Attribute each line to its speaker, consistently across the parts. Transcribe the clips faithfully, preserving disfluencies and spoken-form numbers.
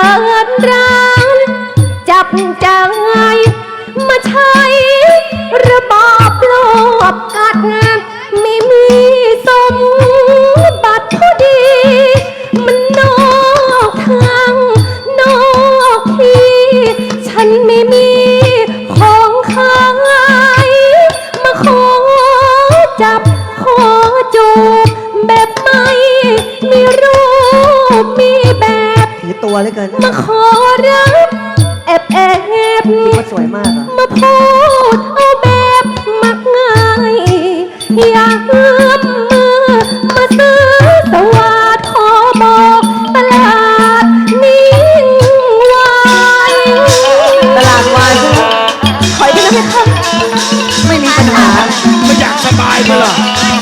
Speaker 1: ปิดร้านจับใจมาใช้ระบอบโลภกัดไม่มีสมบัติพอดีมันนอกทางนอกที่ฉันไม่มีของขายมาขอจับขอจูบแบบไม่มีรูปมีแบบ
Speaker 2: ถือตัวเลยเกิน
Speaker 1: มาขอรับแอบแอบ
Speaker 2: ว่าสวยมากอ่ะ
Speaker 1: มาพูดเอาแบบมักง่ายอยากเอื้อมมือมาซื้อสวัสดขอบอกตลาดนิ่งวาย
Speaker 2: ตลาดวายใช่ไหม
Speaker 1: ถอยไปนะเพคะ
Speaker 2: ไม่มีปัญหา
Speaker 3: ไม่อยากสบายมาหรอ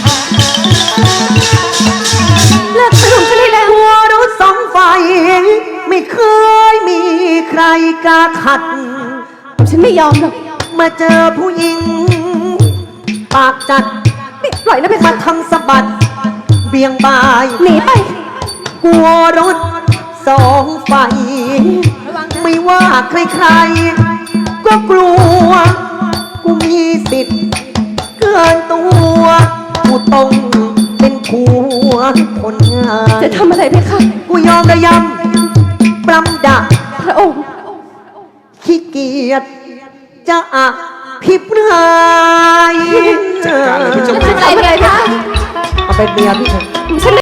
Speaker 1: เลิกสนุกฉันได้แล้ว
Speaker 2: หัวรถสองไฟไม่เคยมีใครกล้าขัด
Speaker 1: ฉันไม่ยอมหรอก
Speaker 2: มาเจอผู้หญิงปากจัด
Speaker 1: ปล่อยนะเพคะ
Speaker 2: มาทำสะบัดเบี่ยงบาย
Speaker 1: หนีไป
Speaker 2: กลัวรถสองไฟไม่ว่าใครๆก็กลัวกูมีสิทธิ์เกินตัวกูต้องเป็นผัวคนงาน
Speaker 1: จะทำอะไรเพคะ
Speaker 2: กูยอมระยำปรำดัก
Speaker 1: พระองค์
Speaker 2: ขี้เกียจจะอะพิบราย
Speaker 3: จัดการเลยพี่เจ้า
Speaker 1: จะทำอะไรเพคะ
Speaker 2: เอาเป็นเมียพี่เถอะ